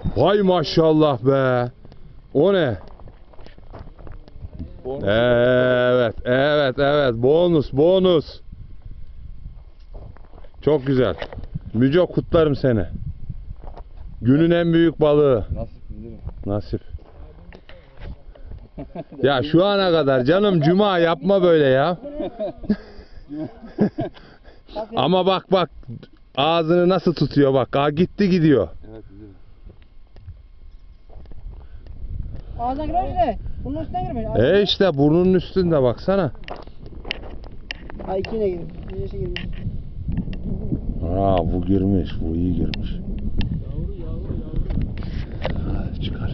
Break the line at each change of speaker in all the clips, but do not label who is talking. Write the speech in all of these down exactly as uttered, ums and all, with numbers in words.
Vay maşallah be. O ne?
Bonus.
Evet, evet, evet. Bonus, bonus. Çok güzel. Müco, kutlarım seni. Günün en büyük balığı.
Nasip değil mi?
Nasip. Ya şu ana kadar canım, cuma yapma böyle ya. Ama bak bak, ağzını nasıl tutuyor bak. Aa, gitti gidiyor.
Evet değil mi?
Ağzına girer işte. Bunun üstüne girmiş.
E işte burnunun üstünde baksana.
Ha ikine girmiş. Birisi girmiş.
Aa, bu girmiş. Bu iyi girmiş. Hadi çıkar.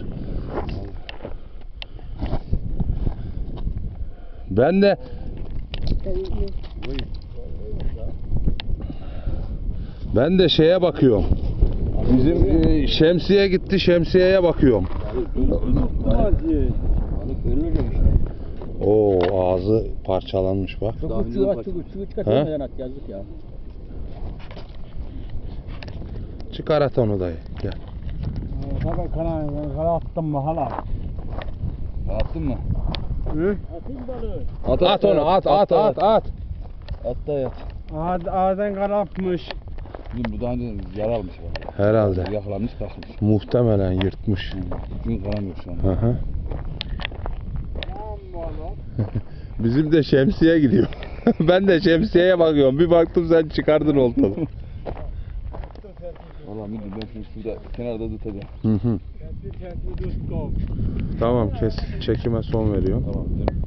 Ben de ben de şeye bakıyorum. Bizim e, şemsiye gitti, şemsiyeye bakıyorum.
Balık ölür işte.
Oo, ağzı parçalanmış bak.
Daha
Çok
önceden
uçuyor,
bak-
çok uçuyor,
He?
çıkartamayan at yazık ya.
Çıkar at onu dayı. Gel.
Tabii kanal, kanal attım mı hala?
Attın mı?
Hı? Atayım balığı.
At,
At onu, at, at, at, at.
At da yat.
Ağız, ağzından kanatmış.
Bizim bu daha önce yara almış bak.
Herhalde.
Yakalanmış kalkmış.
Muhtemelen yırtmış.
Çünkü kalan yok şu an.
Hı hı.
Tamam balık.
Bizim de şemsiye gidiyor. Ben de şemsiyeye bakıyorum. Bir baktım sen çıkardın oltalı.
Valla müdür ben şimdi şurada kenarda tutacağım.
Hı hı.
Kendi kendi tuttum.
Tamam, kes. Çekime son veriyorum.
Tamam canım.